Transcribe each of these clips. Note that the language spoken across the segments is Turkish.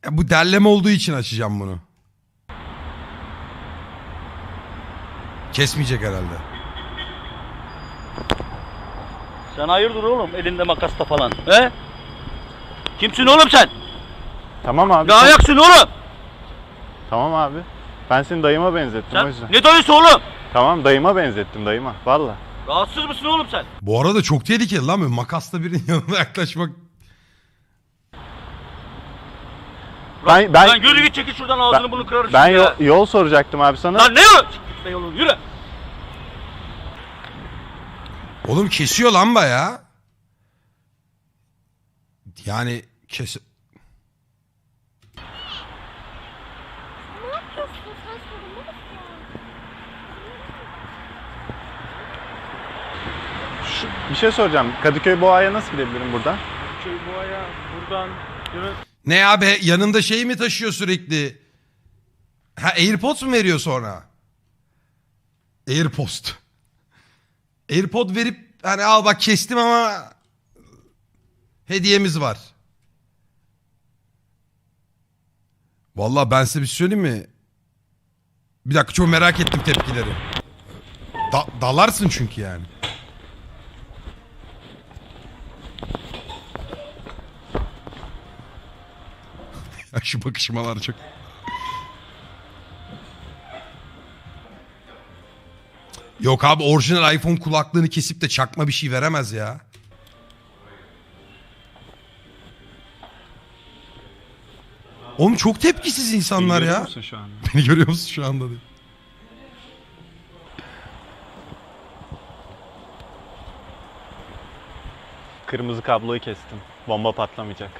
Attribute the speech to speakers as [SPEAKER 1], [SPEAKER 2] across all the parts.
[SPEAKER 1] Ya bu derleme olduğu için açacağım bunu. Kesmeyecek herhalde.
[SPEAKER 2] Sen hayırdır oğlum elinde makasla falan he? Kimsin oğlum sen?
[SPEAKER 3] Tamam abi.
[SPEAKER 2] Ne ayaksın oğlum?
[SPEAKER 3] Tamam abi. Ben seni dayıma benzettim o
[SPEAKER 2] Sen
[SPEAKER 3] yüzden.
[SPEAKER 2] ne dayısı oğlum?
[SPEAKER 3] Tamam dayıma benzettim dayıma. Valla.
[SPEAKER 2] Rahatsız mısın oğlum sen?
[SPEAKER 1] Bu arada çok tehlikeli lan böyle makasla birinin yanına yaklaşmak.
[SPEAKER 3] Ben
[SPEAKER 2] yürü git çekil şuradan ağzını bunu kırarım
[SPEAKER 3] ben
[SPEAKER 2] şimdi ya.
[SPEAKER 3] yol soracaktım abi sana.
[SPEAKER 2] Lan ne yol? Gitme yolun yürü.
[SPEAKER 1] Oğlum kesiyor lan bayağı. Yani kes...
[SPEAKER 3] Bir şey soracağım. Kadıköy Boğa'ya nasıl gidebilirim buradan?
[SPEAKER 4] Boğa'ya buradan yürü.
[SPEAKER 1] Ne abi yanında şey mi taşıyor sürekli? Ha AirPods mu veriyor sonra? AirPost. AirPod verip hani al bak kestim ama hediyemiz var. Vallahi ben size bir şey söyleyeyim mi? Bir dakika çok merak ettim tepkileri. Dalarsın çünkü yani. Ya şu bakışmalar çok... Yok abi orijinal iPhone kulaklığını kesip de çakma bir şey veremez ya. Oğlum çok tepkisiz insanlar ya.
[SPEAKER 3] Görüyor musun şu anda?
[SPEAKER 1] Beni görüyor musun şu anda diye.
[SPEAKER 3] Kırmızı kabloyu kestim. Bomba patlamayacak.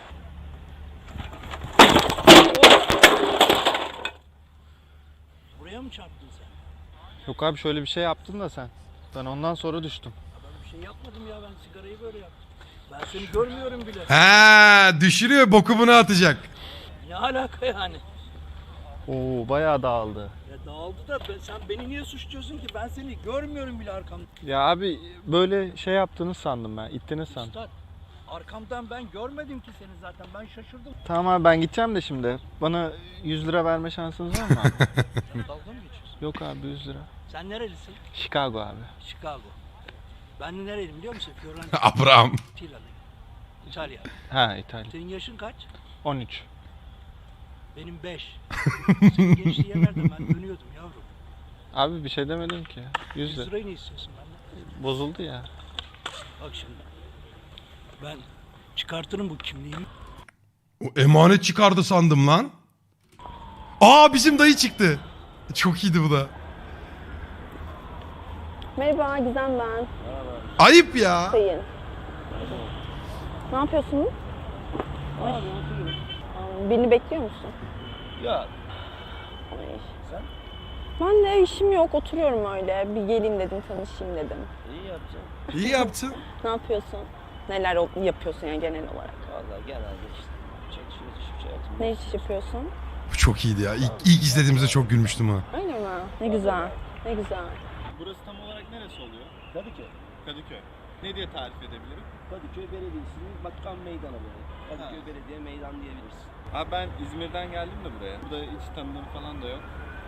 [SPEAKER 2] Buraya mı çarptın sen?
[SPEAKER 3] Yok abi şöyle bir şey yaptın da sen. Ben ondan sonra düştüm.
[SPEAKER 2] Ben bir şey yapmadım ya ben sigarayı böyle yaptım. Ben seni görmüyorum bile.
[SPEAKER 1] He düşürüyor boku bunu atacak.
[SPEAKER 2] Ne alaka yani?
[SPEAKER 3] Oo bayağı dağıldı.
[SPEAKER 2] Ya dağıldı da sen beni niye suçluyorsun ki? Ben seni görmüyorum bile arkamda.
[SPEAKER 3] Ya abi böyle şey yaptığını sandım ben. İttiniz sandım.
[SPEAKER 2] Üstad, arkamdan ben görmedim ki seni zaten. Ben şaşırdım.
[SPEAKER 3] Tamam abi ben gideceğim de şimdi. Bana 100 lira verme şansınız var mı abi?
[SPEAKER 2] Dalga mı geçiyorsun?
[SPEAKER 3] Yok abi 100 lira.
[SPEAKER 2] Sen nerelisin?
[SPEAKER 3] Chicago abi.
[SPEAKER 2] Chicago. Ben de nereliyim biliyor musun? Fiorentina.
[SPEAKER 1] Abraham.
[SPEAKER 2] İtalya.
[SPEAKER 3] Ha İtalya.
[SPEAKER 2] Senin yaşın kaç?
[SPEAKER 3] 13.
[SPEAKER 2] Benim 5. Senin gençliğe yerlerde ben dönüyordum yavrum.
[SPEAKER 3] Abi bir şey demedim ki. 100
[SPEAKER 2] 100
[SPEAKER 3] lira.
[SPEAKER 2] lirayı ne istiyorsun benden?
[SPEAKER 3] Bozuldu ya.
[SPEAKER 2] Bak şimdi. Ben çıkartırım bu kimliğimi.
[SPEAKER 1] O emanet çıkardı sandım lan. Aa bizim dayı çıktı. Çok iyiydi bu da.
[SPEAKER 5] Merhaba Gizem ben.
[SPEAKER 1] Ayıp ya.
[SPEAKER 5] Sayın. Ne yapıyorsunuz? Ay. Birini bekliyor musun?
[SPEAKER 2] Ya
[SPEAKER 5] Ay.
[SPEAKER 2] sen
[SPEAKER 5] Ben de işim yok, oturuyorum öyle. Bir geleyim dedim, tanışayım dedim.
[SPEAKER 2] iyi yapacaksın.
[SPEAKER 1] İyi yaptın.
[SPEAKER 5] Ne yapıyorsun? Neler yapıyorsun yani genel olarak?
[SPEAKER 2] Vallahi genelde işte çekişiyoruz hiçbir şey yapmıyoruz.
[SPEAKER 5] Ne iş yapıyorsun?
[SPEAKER 1] Bu çok iyiydi ya. İlk izlediğimizde çok gülmüştüm ha.
[SPEAKER 5] Öyle mi? Ne güzel, ne güzel.
[SPEAKER 3] Burası tam olarak neresi oluyor?
[SPEAKER 2] Kadıköy.
[SPEAKER 3] Kadıköy. Ne diye tarif edebilirim?
[SPEAKER 2] Kadıköy Belediyesi'nin Bakan Meydanı böyle. Kadıköy Belediye Meydan diyebilirsin.
[SPEAKER 3] Abi ben İzmir'den geldim de buraya. Burada hiç tanıdığım falan da yok.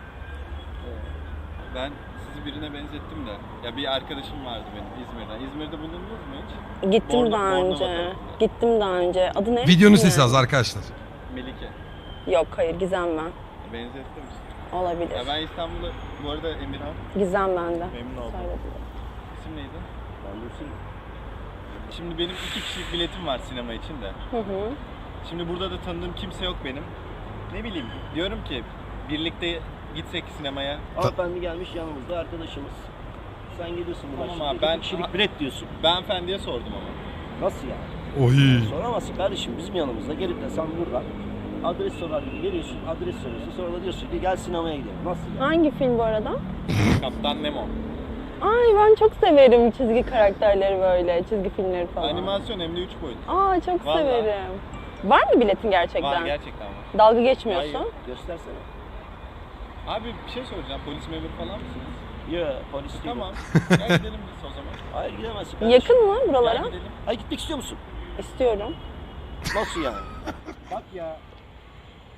[SPEAKER 3] Ben sizi birine benzettim de. Ya bir arkadaşım vardı benim İzmir'den. İzmir'de bulundunuz mu hiç?
[SPEAKER 5] Gittim
[SPEAKER 3] Bornova
[SPEAKER 5] daha önce.
[SPEAKER 3] tarafında.
[SPEAKER 5] Gittim daha önce. Adı ne?
[SPEAKER 1] Videonun
[SPEAKER 5] Bilmiyorum.
[SPEAKER 1] sesi az arkadaşlar.
[SPEAKER 3] Melike.
[SPEAKER 5] Yok hayır, Gizem ben.
[SPEAKER 3] Benzettim misin?
[SPEAKER 5] Olabilir.
[SPEAKER 3] Ya ben İstanbul'da, bu arada Emirhan.
[SPEAKER 5] Gizem bende.
[SPEAKER 3] Memnun oldum.
[SPEAKER 5] Söylediler.
[SPEAKER 3] İsim neydi?
[SPEAKER 2] Ben Dursun.
[SPEAKER 3] Şimdi benim 2 kişilik biletim var sinema için de.
[SPEAKER 5] Hı hı.
[SPEAKER 3] Şimdi burada da tanıdığım kimse yok benim. Ne bileyim diyorum ki birlikte gitsek sinemaya.
[SPEAKER 2] Hanımefendi gelmiş yanımızda arkadaşımız. Sen geliyorsun buradan.
[SPEAKER 3] Tamam
[SPEAKER 2] şimdi
[SPEAKER 3] abi, ben-
[SPEAKER 2] iki kişilik bilet diyorsun.
[SPEAKER 3] Ben efendiye sordum ama.
[SPEAKER 2] Nasıl yani?
[SPEAKER 1] Oy.
[SPEAKER 2] Soramazsın kardeşim bizim yanımızda gelip de sen buradan adres sorar gibi geliyorsun, adres soruyorsun, sonra da diyorsun ki gel sinemaya gidelim. Nasıl yani?
[SPEAKER 5] Hangi film bu arada?
[SPEAKER 3] Kaptan Nemo.
[SPEAKER 5] Ay ben çok severim çizgi karakterleri böyle, çizgi filmleri falan.
[SPEAKER 3] Animasyon hem de 3 boyut.
[SPEAKER 5] Aa çok
[SPEAKER 3] Vallahi.
[SPEAKER 5] severim. Var mı biletin gerçekten?
[SPEAKER 3] Var gerçekten var.
[SPEAKER 5] Dalga geçmiyorsun.
[SPEAKER 3] Hayır.
[SPEAKER 2] Göstersene.
[SPEAKER 3] Abi bir şey soracağım. Polis memuru falan mısınız?
[SPEAKER 2] Ya polis değil.
[SPEAKER 3] Tamam. Gel gidelim biz o zaman.
[SPEAKER 2] Hayır gidemezsin kardeşim.
[SPEAKER 5] Yakın mı buralara?
[SPEAKER 3] Gel gidelim.
[SPEAKER 2] Hayır gitmek istiyor musun?
[SPEAKER 5] İstiyorum.
[SPEAKER 2] Nasıl yani? Bak ya.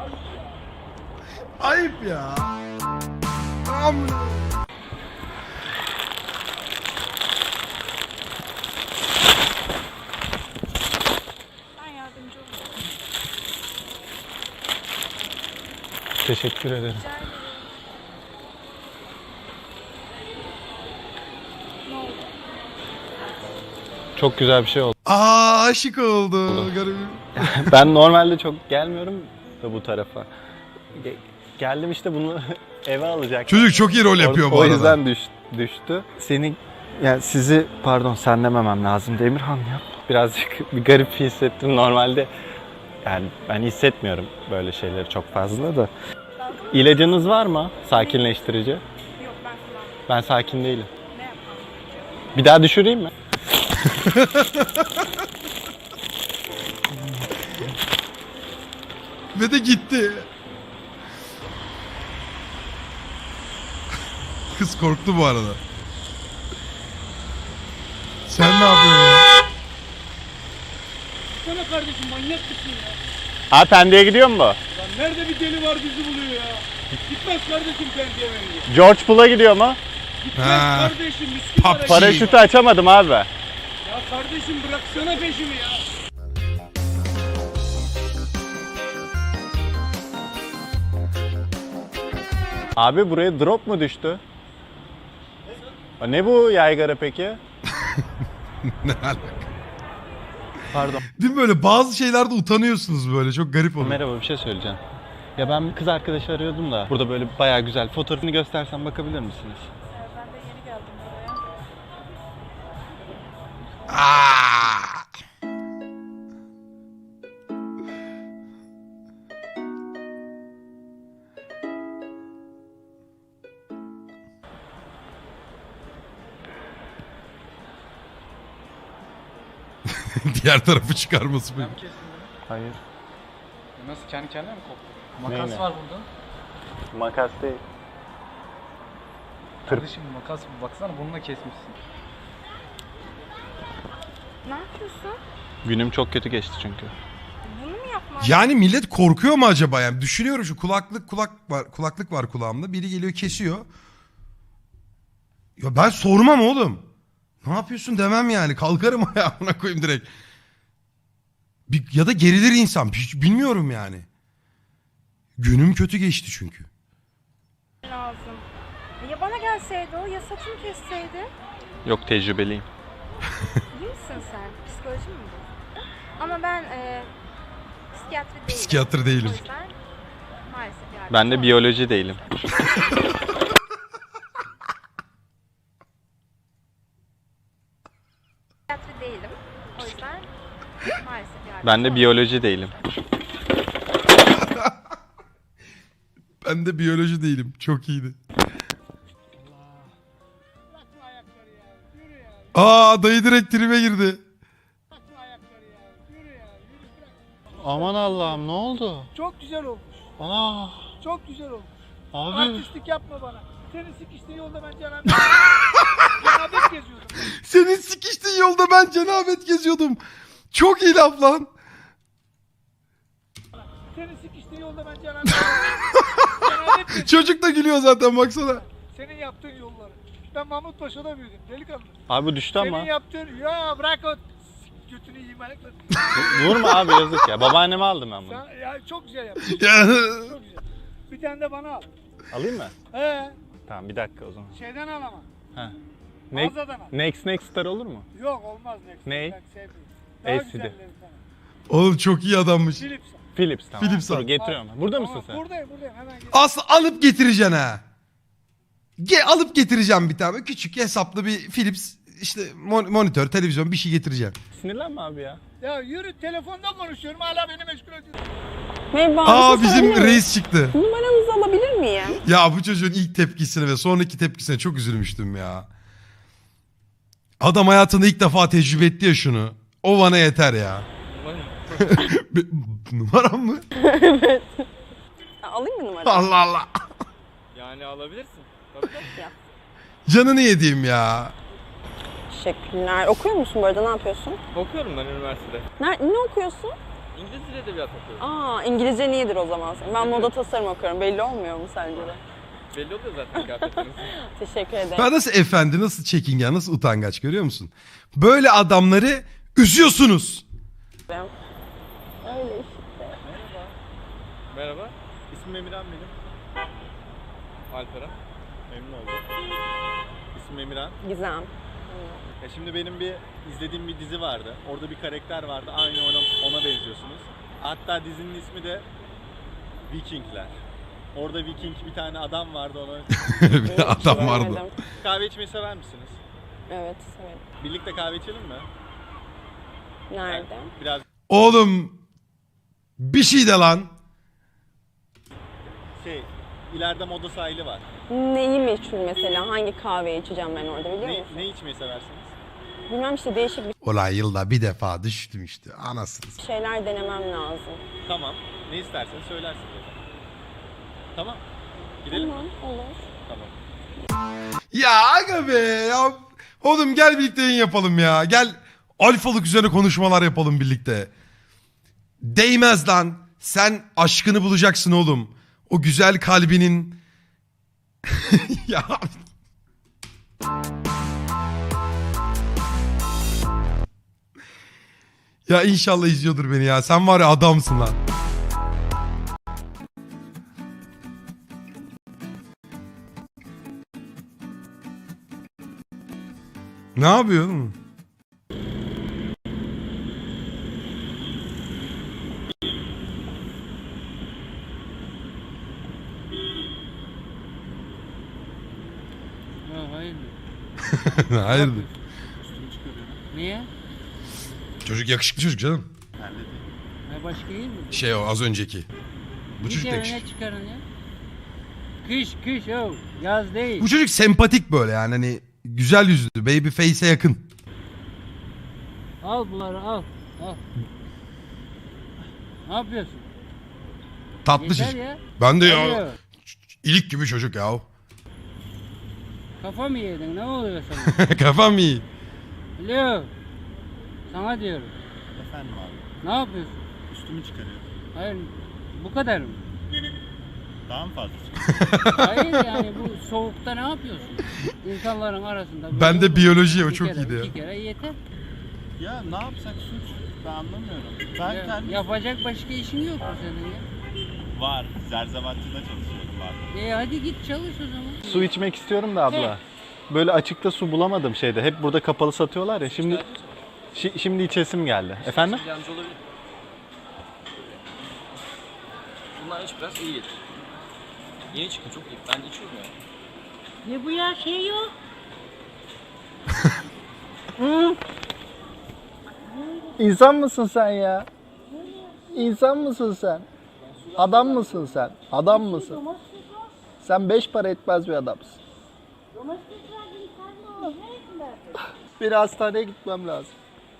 [SPEAKER 1] Ayıp ya. Amına.
[SPEAKER 6] Ben yardımcı olurum.
[SPEAKER 4] Teşekkür ederim.
[SPEAKER 6] Rica ederim. Ne oldu?
[SPEAKER 3] Çok güzel bir şey oldu.
[SPEAKER 1] Aa, aşık oldu. Garibim.
[SPEAKER 3] Ben normalde çok gelmiyorum da bu tarafa. Geldim işte bunu eve alacak.
[SPEAKER 1] Çocuk çok iyi rol yapıyor bu
[SPEAKER 3] O
[SPEAKER 1] arada.
[SPEAKER 3] yüzden düştü. Seni yani sizi pardon sen dememem lazım Demirhan ya. Birazcık bir garip hissettim normalde. Yani ben hissetmiyorum böyle şeyleri çok fazla da. İlacınız var mı? Sakinleştirici.
[SPEAKER 6] Yok ben kullanmam.
[SPEAKER 3] Ben sakin değilim.
[SPEAKER 6] Ne yapmam?
[SPEAKER 3] Bir daha düşüreyim mi?
[SPEAKER 1] Ve de gitti. Kız korktu bu arada. Sen ne yapıyorsun ya?
[SPEAKER 7] Sana kardeşim manyak mısın ya?
[SPEAKER 3] Abi Pendik'e gidiyor mu bu?
[SPEAKER 7] Lan nerede bir deli var bizi buluyor ya? Gitmez kardeşim Pendik'e bence.
[SPEAKER 3] George Pool'a gidiyor mu?
[SPEAKER 7] Gitmez
[SPEAKER 1] Ha.
[SPEAKER 7] kardeşim miskin
[SPEAKER 1] PUBG.
[SPEAKER 7] para.
[SPEAKER 3] Paraşütü açamadım abi.
[SPEAKER 7] Ya kardeşim bıraksana peşimi ya.
[SPEAKER 3] Abi buraya drop mu düştü? Ne bu yaygara peki?
[SPEAKER 1] Ne alaka?
[SPEAKER 3] Pardon.
[SPEAKER 1] Değil mi böyle bazı şeylerde utanıyorsunuz böyle çok garip oluyor.
[SPEAKER 3] Merhaba bir şey söyleyeceğim. Ya ben kız arkadaşı arıyordum da burada böyle bayağı güzel fotoğrafını göstersem bakabilir misiniz?
[SPEAKER 6] Ben de yeni geldim buraya.
[SPEAKER 1] Aa! Diğer tarafı çıkarması mı?
[SPEAKER 3] Hayır.
[SPEAKER 7] Nasıl kendi kendine mi koptu?
[SPEAKER 3] Neyle?
[SPEAKER 7] Makas var burada.
[SPEAKER 3] Makas değil.
[SPEAKER 7] Kardeşim makas baksana bununla kesmişsin.
[SPEAKER 6] Ne yapıyorsun?
[SPEAKER 3] Günüm çok kötü geçti çünkü.
[SPEAKER 6] Bunu mu yapmam?
[SPEAKER 1] Yani millet korkuyor mu acaba? Yani düşünüyorum şu kulaklık var kulağımda. Biri geliyor kesiyor. Ya ben sormam oğlum. Ne yapıyorsun demem yani. Kalkarım ayağına koyayım direkt. Ya da gerilir insan. Hiç bilmiyorum yani. Günüm kötü geçti çünkü.
[SPEAKER 6] Lazım. Ya bana gelseydi o ya saçımı kesseydi.
[SPEAKER 3] Yok tecrübeliyim.
[SPEAKER 6] İyi misin sen? Psikoloji mi bu? Ama ben psikiyatri değilim.
[SPEAKER 1] Psikiyatr değilim.
[SPEAKER 6] O yüzden maalesef yardımcı
[SPEAKER 3] Ben de
[SPEAKER 6] olamam.
[SPEAKER 3] biyoloji değilim.
[SPEAKER 6] Psikiyatri değilim. O yüzden maalesef yardımcı
[SPEAKER 3] Ben de
[SPEAKER 6] olamam.
[SPEAKER 3] biyoloji değilim.
[SPEAKER 1] Ben de biyoloji değilim. Çok iyiydi.
[SPEAKER 7] Bırakma ayakları ya. Yürü ya.
[SPEAKER 1] Aa, dayı direkt tribe girdi.
[SPEAKER 7] Bırakma ayakları ya. Yürü ya. Yürü bırak.
[SPEAKER 3] Aman Allah'ım ne oldu?
[SPEAKER 7] Çok güzel olmuş.
[SPEAKER 3] Ana
[SPEAKER 7] Çok güzel olmuş.
[SPEAKER 3] abi.
[SPEAKER 7] Artistlik yapma bana. Senin sikiştiğin yolda ben cenabet cenabet geziyordum.
[SPEAKER 1] Senin sikiştiğin yolda ben cenabet geziyordum. Çok iyi laf lan.
[SPEAKER 7] Senin sikiştiğin yolda ben cenabet geziyordum.
[SPEAKER 1] Çocuk da gülüyor zaten baksana.
[SPEAKER 7] Senin yaptığın yolları. Ben Mahmut Paşa'da büyüdüm delikanlı.
[SPEAKER 3] Abi düştü ama.
[SPEAKER 7] Senin yaptığın ya bırak o götünü yiyeyim ayakları.
[SPEAKER 3] Vurma abi yazık ya. Babaanneme aldım ben bunu.
[SPEAKER 7] Sen ya çok güzel yaptın.
[SPEAKER 1] Ya.
[SPEAKER 7] Çok güzel. Bir tane de bana al.
[SPEAKER 3] Alayım mı? Tamam bir dakika o zaman.
[SPEAKER 7] Şeyden al ama.
[SPEAKER 3] Ha.
[SPEAKER 7] Mağazadan al.
[SPEAKER 3] Next Star olur mu?
[SPEAKER 7] Yok olmaz Next.
[SPEAKER 3] Ne?
[SPEAKER 7] Ben sevmiyorum. Daha
[SPEAKER 3] LCD.
[SPEAKER 7] güzellerinden al.
[SPEAKER 1] Oğlum çok iyi adammış.
[SPEAKER 7] Philips al.
[SPEAKER 3] Philips tamam.
[SPEAKER 1] Philips
[SPEAKER 3] Dur
[SPEAKER 1] al.
[SPEAKER 3] getiriyorum. Burada
[SPEAKER 7] Tamam,
[SPEAKER 3] mısın sen?
[SPEAKER 7] Buradayım hemen gel.
[SPEAKER 1] Aslı alıp getireceksin ha. Alıp getireceğim bir tane. Küçük hesaplı bir Philips işte monitör, televizyon bir şey getireceğim.
[SPEAKER 3] Sinirlenme abi ya.
[SPEAKER 7] Ya yürü telefonda konuşuyorum hala beni meşgul ediyorsun.
[SPEAKER 5] Merhaba.
[SPEAKER 1] Aa,
[SPEAKER 5] bir şey
[SPEAKER 1] bizim
[SPEAKER 5] sorabilir miyim?
[SPEAKER 1] reis çıktı.
[SPEAKER 5] Numaranızı alabilir miyim?
[SPEAKER 1] Ya bu çocuğun ilk tepkisine ve sonraki tepkisine çok üzülmüştüm ya. Adam hayatında ilk defa tecrübe etti ya şunu. O bana yeter ya. Numaram mı?
[SPEAKER 5] Alayım mı numaranı?
[SPEAKER 1] Allah Allah.
[SPEAKER 4] Yani alabilirsin. Tabii.
[SPEAKER 1] Canını yediğim ya.
[SPEAKER 5] Teşekkürler. Okuyor musun bu arada? Ne yapıyorsun?
[SPEAKER 4] Okuyorum ben üniversitede.
[SPEAKER 5] Ne okuyorsun?
[SPEAKER 4] İngiliz dil edebiyatı okuyorum.
[SPEAKER 5] Aa, İngilizcen iyidir o zaman. Ben moda tasarım okuyorum. Belli olmuyor mu sence de?
[SPEAKER 4] Belli oluyor zaten kıyafetleriniz.
[SPEAKER 5] Teşekkür ederim.
[SPEAKER 1] Ben nasıl efendi, nasıl çekingen, nasıl utangaç görüyor musun? Böyle adamları üzüyorsunuz.
[SPEAKER 5] Öyle işte.
[SPEAKER 4] Merhaba.
[SPEAKER 3] İsmim Emirhan benim.
[SPEAKER 4] Alperen.
[SPEAKER 3] Memnun oldum. İsmim Emirhan.
[SPEAKER 5] Gizem.
[SPEAKER 3] Ya şimdi benim izlediğim bir dizi vardı. Orada bir karakter vardı. Aynı ona benziyorsunuz. Hatta dizinin ismi de Vikingler. Orada Viking bir tane adam vardı ona.
[SPEAKER 1] Bir adam vardı.
[SPEAKER 5] Görmedim.
[SPEAKER 3] Kahve içmeyi sever misiniz?
[SPEAKER 5] Evet, severim.
[SPEAKER 3] Birlikte kahve içelim mi?
[SPEAKER 5] Nerede?
[SPEAKER 3] Biraz
[SPEAKER 1] Oğlum bir şey de lan.
[SPEAKER 3] ileride moda sahili var.
[SPEAKER 5] Neyi meşhur mesela? Hangi kahveyi içeceğim ben orada biliyor musun?
[SPEAKER 3] Ne içmeyi seversiniz?
[SPEAKER 5] Bilmem işte değişik bir
[SPEAKER 1] Ulan yılda bir defa düştüm işte anasını.
[SPEAKER 5] şeyler denemem lazım.
[SPEAKER 3] Tamam. Ne isterseniz söylersiniz. Tamam. Gidelim mi?
[SPEAKER 5] Tamam, olur.
[SPEAKER 3] Tamam.
[SPEAKER 1] Ya aga be ya. Oğlum gel birlikte yayın yapalım ya. Gel alfalık üzerine konuşmalar yapalım birlikte. Değmez lan. Sen aşkını bulacaksın oğlum. O güzel kalbinin... ya... Ya inşallah izliyordur beni ya. Sen var ya adamsın lan. Ne yapıyorsun?
[SPEAKER 8] Hayırdır?
[SPEAKER 1] Hayırdır?
[SPEAKER 8] Niye?
[SPEAKER 1] Çocuk yakışıklı çocuk canım.
[SPEAKER 8] Ha başka iyi mi?
[SPEAKER 1] Şey o az önceki. Bu çocuk da
[SPEAKER 8] Ne
[SPEAKER 1] yakışıklı.
[SPEAKER 8] çıkarın ya? Kış o. Yaz değil.
[SPEAKER 1] Bu çocuk sempatik böyle yani hani güzel yüzlü, baby face'e yakın.
[SPEAKER 8] Al bunları al. Al. Ne yapıyorsun?
[SPEAKER 1] Tatlı
[SPEAKER 8] Yeter
[SPEAKER 1] çocuk.
[SPEAKER 8] ya.
[SPEAKER 1] Ben de ya
[SPEAKER 8] Alo.
[SPEAKER 1] ilik gibi çocuk ya.
[SPEAKER 8] Kafa mı yedin? Ne oluyor sana?
[SPEAKER 1] Kafam iyi.
[SPEAKER 8] Alo. Sana diyorum.
[SPEAKER 3] Efendim abi.
[SPEAKER 8] Ne yapıyorsun?
[SPEAKER 3] Üstümü çıkarıyorum.
[SPEAKER 8] Hayır. Bu kadar mı?
[SPEAKER 3] Daha mı fazla?
[SPEAKER 8] Hayır yani bu soğukta ne yapıyorsun? İnsanların arasında. böyle
[SPEAKER 1] Ben de
[SPEAKER 8] olur.
[SPEAKER 1] biyoloji o
[SPEAKER 8] Bir
[SPEAKER 1] çok
[SPEAKER 8] kere,
[SPEAKER 1] iyiydi ya.
[SPEAKER 8] İki kere yeter.
[SPEAKER 3] Ya ne yapsak suç? Ben anlamıyorum. Ben
[SPEAKER 8] Ya,
[SPEAKER 3] kendim...
[SPEAKER 8] yapacak başka işin yok mu senin ya?
[SPEAKER 3] Var. Zerzevatçıda çalışıyorum var.
[SPEAKER 8] Hadi git çalış o zaman.
[SPEAKER 3] Su içmek istiyorum da abla. Böyle açıkta su bulamadım şeyde. Hep burada kapalı satıyorlar ya. Şimdi içesim geldi. Efendim?
[SPEAKER 9] Yardımcı olabilir. Bunlar iç biraz iyi gelir. Yeni çıktı çok iyi. Ben de içiyorum ya.
[SPEAKER 10] Ne bu ya şey yok.
[SPEAKER 3] İnsan mısın sen ya? İnsan mısın sen? Adam mısın sen? Adam mısın? Sen 5 para etmez bir adamsın. Bir hastaneye gitmem lazım.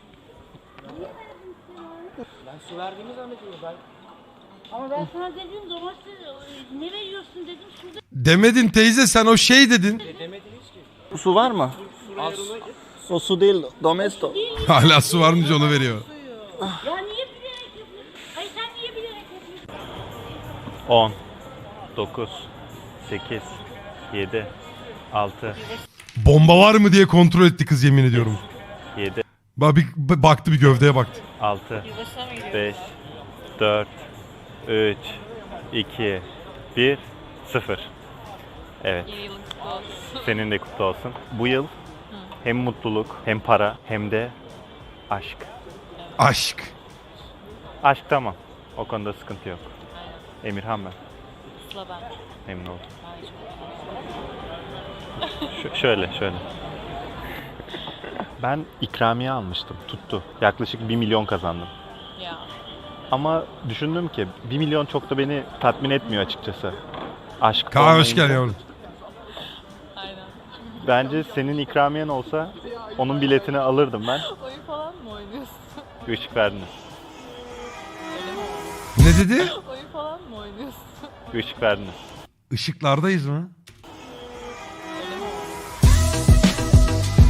[SPEAKER 9] Ben su verdiğimi zannediyorum ben.
[SPEAKER 10] Ama ben sana dedim domates ne veriyorsun dedim şurada.
[SPEAKER 1] Demedin teyze sen o şey dedin.
[SPEAKER 9] Demediniz ki.
[SPEAKER 3] Su var mı? O su değil, domesto.
[SPEAKER 1] Hala su var mı onu veriyor.
[SPEAKER 10] Ya niye bilerek yapıyorsun? Hayır sen niye bilerek yapıyorsun?
[SPEAKER 3] 10, 9, 8, 7, 6,
[SPEAKER 1] Bomba var mı diye kontrol etti kız yemin ediyorum.
[SPEAKER 3] 7,
[SPEAKER 1] Baktı bir gövdeye baktı.
[SPEAKER 3] 6, 5, 4, 3, 2, 1, 0. Evet. Senin de kutlu olsun. Bu yıl hem mutluluk, hem para, hem de aşk.
[SPEAKER 1] Aşk.
[SPEAKER 3] Aşk tamam. O konuda sıkıntı yok. Emirhan ben. Memnun oldum. Şöyle. Ben ikramiye almıştım. Tuttu. Yaklaşık 1 milyon kazandım. Ama düşündüm ki 1 milyon çok da beni tatmin etmiyor açıkçası. Aşk
[SPEAKER 1] Kaan hoş
[SPEAKER 3] olmayınca-
[SPEAKER 1] geldin yavrum.
[SPEAKER 3] Bence senin ikramiyen olsa onun biletini alırdım ben.
[SPEAKER 6] Oyun falan mı oynuyorsun?
[SPEAKER 3] Işık verdiniz.
[SPEAKER 1] Ne dedi?
[SPEAKER 6] Oyun falan mı oynuyorsun?
[SPEAKER 3] Işık verdiniz.
[SPEAKER 1] Işıklardayız mı?